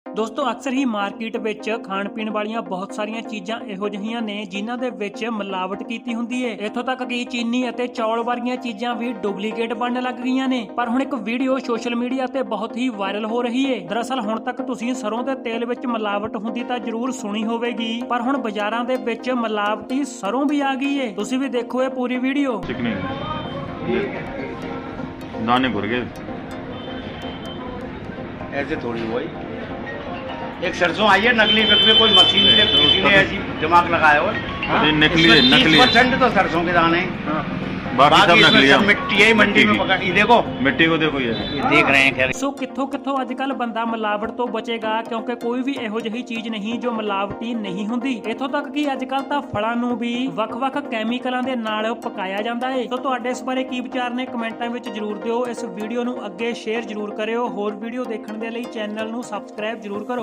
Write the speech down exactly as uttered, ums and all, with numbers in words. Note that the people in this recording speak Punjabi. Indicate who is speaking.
Speaker 1: ਦੋਸਤੋ ਅਕਸਰ ਹੀ ਮਾਰਕੀਟ ਵਿੱਚ ਖਾਣ ਪੀਣ ਵਾਲੀਆਂ ਬਹੁਤ ਸਾਰੀਆਂ ਚੀਜ਼ਾਂ ਇਹੋ ਜਿਹੀਆਂ ਨੇ ਜਿਨ੍ਹਾਂ ਦੇ ਵਿੱਚ ਮਿਲਾਵਟ ਕੀਤੀ ਹੁੰਦੀ ਹੈ। ਇੱਥੋਂ ਤੱਕ ਕਿ ਚੀਨੀ ਅਤੇ ਚੌਲ ਵਰਗੀਆਂ ਚੀਜ਼ਾਂ ਵੀ ਡੁਪਲੀਕੇਟ ਬਣਨ ਲੱਗ ਗਈਆਂ ਨੇ। ਪਰ ਹੁਣ ਇੱਕ ਵੀਡੀਓ ਸੋਸ਼ਲ ਮੀਡੀਆ ਤੇ ਬਹੁਤ ਹੀ ਵਾਇਰਲ ਹੋ ਰਹੀ ਹੈ। ਦਰਅਸਲ ਹੁਣ ਤੱਕ ਤੁਸੀਂ ਸਰੋਂ ਦੇ ਤੇਲ ਵਿੱਚ ਮਿਲਾਵਟ ਹੁੰਦੀ ਤਾਂ ਜ਼ਰੂਰ ਸੁਣੀ ਹੋਵੇਗੀ, ਪਰ ਹੁਣ ਬਾਜ਼ਾਰਾਂ ਦੇ ਵਿੱਚ ਮਿਲਾਵਟੀ ਸਰੋਂ ਵੀ ਆ ਗਈ ਹੈ। ਤੁਸੀਂ ਵੀ ਦੇਖੋ ਇਹ ਪੂਰੀ ਵੀਡੀਓ।
Speaker 2: दाने भर गए
Speaker 3: ऐसे थोड़ी हुआ एक सरसों आई है नकली में कोई मशीन से किसी ने ऐसी दिमाग लगाया हो।
Speaker 2: नकली है, नकली
Speaker 3: परसेंट तो सरसों के दाने
Speaker 2: बाकी सब नकली है।
Speaker 3: मिट्टी है मंडी में पका ये देखो
Speaker 2: मिट्टी को देखो ये
Speaker 3: ये देख रहे हैं। खैर
Speaker 1: ਸੋ ਕਿੱਥੋਂ ਕਿੱਥੋਂ ਅੱਜ ਕੱਲ ਬੰਦਾ ਮਿਲਾਵਟ ਤੋਂ ਬਚੇਗਾ, ਕਿਉਂਕਿ ਕੋਈ ਵੀ ਇਹੋ ਜਿਹੀ ਚੀਜ਼ ਨਹੀਂ ਜੋ ਮਿਲਾਵਟੀ ਨਹੀਂ ਹੁੰਦੀ। ਇੱਥੋਂ ਤੱਕ ਕਿ ਅੱਜ ਕੱਲ ਤਾਂ ਫਲਾਂ ਨੂੰ ਵੀ ਵੱਖ-ਵੱਖ ਕੈਮੀਕਲਾਂ ਦੇ ਨਾਲ ਪਕਾਇਆ ਜਾਂਦਾ ਹੈ। ਸੋ ਤੁਹਾਡੇ ਇਸ ਬਾਰੇ ਕੀ ਵਿਚਾਰ ਨੇ ਕਮੈਂਟਾਂ ਵਿੱਚ ਜਰੂਰ ਦਿਓ। ਇਸ ਵੀਡੀਓ ਨੂੰ ਅੱਗੇ ਸ਼ੇਅਰ ਜਰੂਰ ਕਰਿਓ। ਹੋਰ ਵੀਡੀਓ ਦੇਖਣ ਦੇ ਲਈ ਚੈਨਲ ਨੂੰ ਸਬਸਕ੍ਰਾਈਬ ਜਰੂਰ ਕਰੋ।